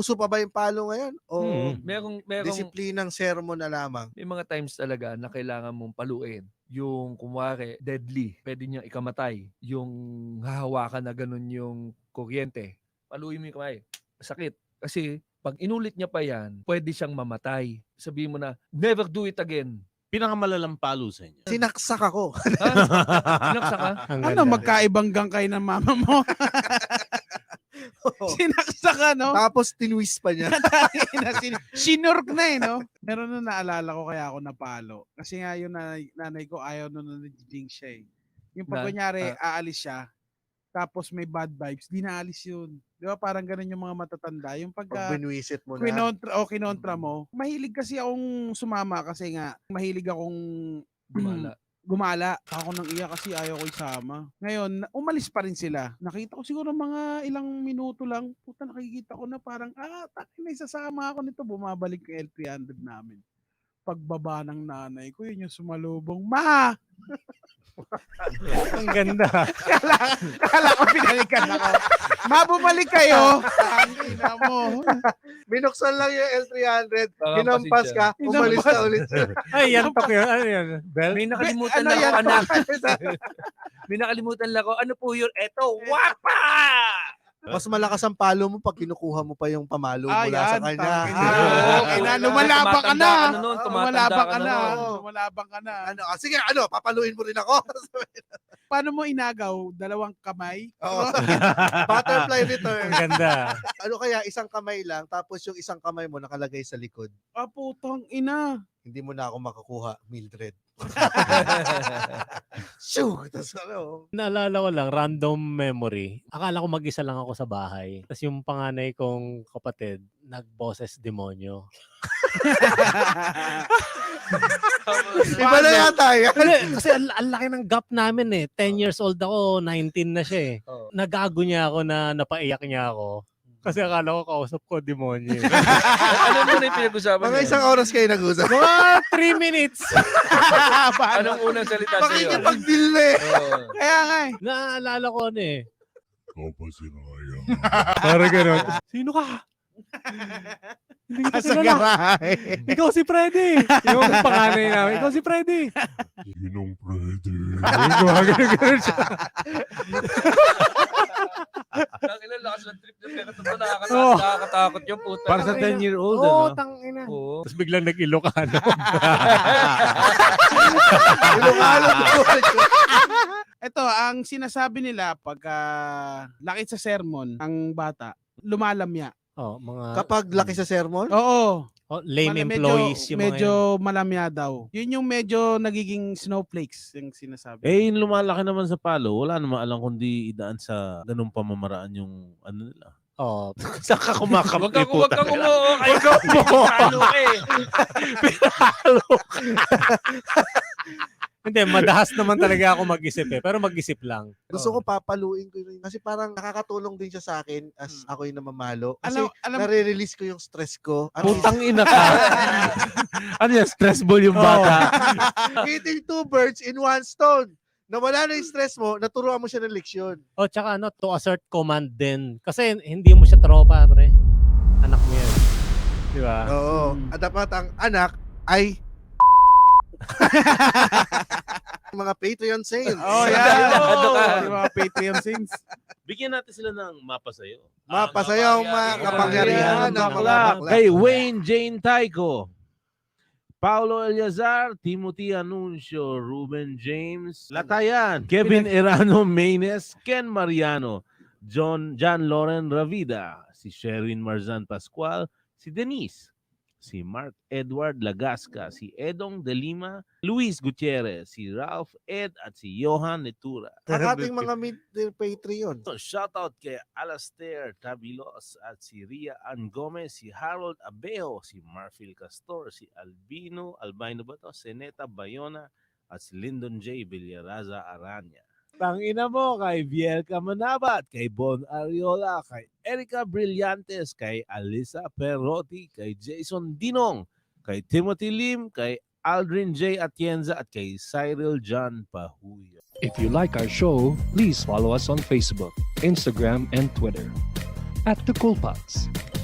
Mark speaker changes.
Speaker 1: uso pa ba yung palo ngayon? O
Speaker 2: Merong
Speaker 1: disiplinang sermon na lamang?
Speaker 2: may mga times talaga na kailangan mong paluin. Yung kumwari, deadly, pwede niyang ikamatay. Yung hahawakan na ganun yung kuryente, paluin mo yung kamay. Sakit. Kasi pag inulit niya pa yan, pwede siyang mamatay. Sabihin mo na, never do it again.
Speaker 3: Pinakamalalang palo sa inyo.
Speaker 1: Sinaksak ako.
Speaker 2: Ha? Sinaksa ka?
Speaker 4: Ano, magkaibang gang kayo ng mama mo? Sinaksa ka, no?
Speaker 1: Tapos tinwist pa niya.
Speaker 4: Sinurk na eh, no? Meron na naalala ko kaya ako napalo. Kasi nga yung nanay ko ayaw nun na-jinx siya eh. Yung pag kunyari, aalis siya, tapos may bad vibes, di naalis yun. Di ba parang ganun yung mga matatanda. Yung
Speaker 1: Pag binwisit mo na.
Speaker 4: kinontra mo. Mahilig kasi akong sumama kasi nga, mahilig akong gumala. Ako nang iya kasi ayaw ko isama. Ngayon, umalis pa rin sila. Nakita ko siguro mga ilang minuto lang. Puta, nakikita ko na parang, takin na isasama ako nito. Bumabalik yung L300 namin. Pagbaba ng nanay ko, yun yung sumalubong, Ma!
Speaker 5: Ang ganda.
Speaker 4: Kala ko pinalikan ako. Ma, bumalik kayo. Tangina mo.
Speaker 1: Binuksan lang yung L300,
Speaker 2: Baka
Speaker 1: hinampas ka, umalis na ulit.
Speaker 5: Ay, yan tok yun. Ano yan? Bell?
Speaker 2: May nakalimutan
Speaker 4: Ano
Speaker 2: lang
Speaker 4: yan?
Speaker 2: ako, anak. May nakalimutan lang ako. Ano po yun? Eto, wapa!
Speaker 1: Mas malakas ang palo mo pag kinukuha mo pa yung pamalo mula sa kanya.
Speaker 4: Lumalabang ka na.
Speaker 2: Tumatanda ka na.
Speaker 4: Lumalabang ka na.
Speaker 1: Sige, papaluin mo rin ako.
Speaker 4: Paano mo inagaw? Dalawang kamay?
Speaker 1: Oo. Butterfly return.
Speaker 5: Ang ganda.
Speaker 1: Ano kaya, isang kamay lang, tapos yung isang kamay mo nakalagay sa likod.
Speaker 4: Putang ina.
Speaker 1: Hindi mo na ako makakuha, Mildred. Shoo! Tapos
Speaker 5: Naalala ko lang, random memory. Akala ko mag-isa lang ako sa bahay. Tapos yung panganay kong kapatid, nagboses demonyo.
Speaker 1: Iba na yata yan.
Speaker 5: Kasi ang laki ng gap namin eh. 10 years old ako, 19 na siya eh. Nagago niya ako na napaiyak niya ako. Kasi akala ko kausap ko demonyo.
Speaker 2: Ano mo na yung pinag-usapan
Speaker 1: Mga isang oras kayo nag-usap.
Speaker 5: Mga 3 minutes.
Speaker 2: Anong unang salita sa'yo?
Speaker 1: Pakikipag-deal na eh.
Speaker 4: Kaya nga eh.
Speaker 5: Naalala ko ano eh.
Speaker 6: Ikaw pa sinayang.
Speaker 5: Parang gano'n. Sino ka? Hindi kita kilala. Ikaw si Freddy. Yung panganay namin. Ikaw si Freddy.
Speaker 6: Sinong pwede?
Speaker 5: Gano'n siya.
Speaker 2: Ang ilang lakas ng trip na pero totoo nakakatakot yung puta.
Speaker 3: Para sa 10-year-old,
Speaker 5: Oo,
Speaker 3: ano?
Speaker 5: tangina.
Speaker 2: Oo.
Speaker 5: Tapos biglang nag-Ilocano.
Speaker 4: Ito, ang sinasabi nila pagka laki sa sermon, ang bata, lumalamya.
Speaker 5: Oh, mga
Speaker 1: Kapag laki sa sermon,
Speaker 4: Oo.
Speaker 5: lame employees yung mga
Speaker 4: medyo malamya daw. Yun yung medyo nagiging snowflakes yung sinasabi.
Speaker 3: Yung lumalaki naman sa palo, wala naman alam kundi idaan sa ganung pamamaraan yung ano nila.
Speaker 5: Oh,
Speaker 3: Saan ka kumakampi?
Speaker 2: Huwag kang umuo. Ay, ikaw pinalo ka eh.
Speaker 5: hindi, madahas naman talaga ako mag-isip eh. Pero mag-isip lang.
Speaker 1: gusto ko papaluin ko rin. Kasi parang nakakatulong din siya sa akin as ako yung namamalo. Kasi
Speaker 4: Alam,
Speaker 1: nare-release ko yung stress ko.
Speaker 3: Putang ina ka. Ano yan? Stress ball yung bata.
Speaker 1: Hitting 2 birds in 1 stone. Nawala na yung stress mo, naturuan mo siya ng leksyon.
Speaker 5: Oh, tsaka ano, to assert command din. Kasi hindi mo siya tropa, pre. Anak mo yan. Di ba?
Speaker 1: Oo. At dapat ang anak ay mga Patreon sales.
Speaker 4: Oh, yeah. Yung mga Patreon sings.
Speaker 3: Bigyan natin sila ng mapa sa'yo.
Speaker 1: Mapasayang mga kapangyarihan ng mga bakla.
Speaker 3: Kay Wayne Jane Tyco, Paulo Eliazar, Timothy Anuncio, Ruben James, Latayan, Kevin Erano Maynes, Ken Mariano, John Loren Ravida, si Sherin Marzan Pascual, si Denise, si Mark Edward Lagasca, si Edong De Lima, Luis Gutierrez, si Ralph Ed at si Johan Netura.
Speaker 1: Ang ating mga Patreon.
Speaker 3: So, shoutout kay Alastair Tabilos at si Ria Ann Gomez, si Harold Abeo, si Marfil Castor, si Albino ba to? Seneta Bayona at si Lyndon J. Villaraza Aranya. Tangina mo kay Biel Camanabat, kay Bon Ariola, kay Erica Brillantes, kay Alisa Perotti, kay Jason Dinong, kay Timothy Lim, kay Aldrin J. Atienza at kay Cyril John Pahuyo.
Speaker 7: If you like our show, please follow us on Facebook, Instagram, and Twitter @TheCoolPods.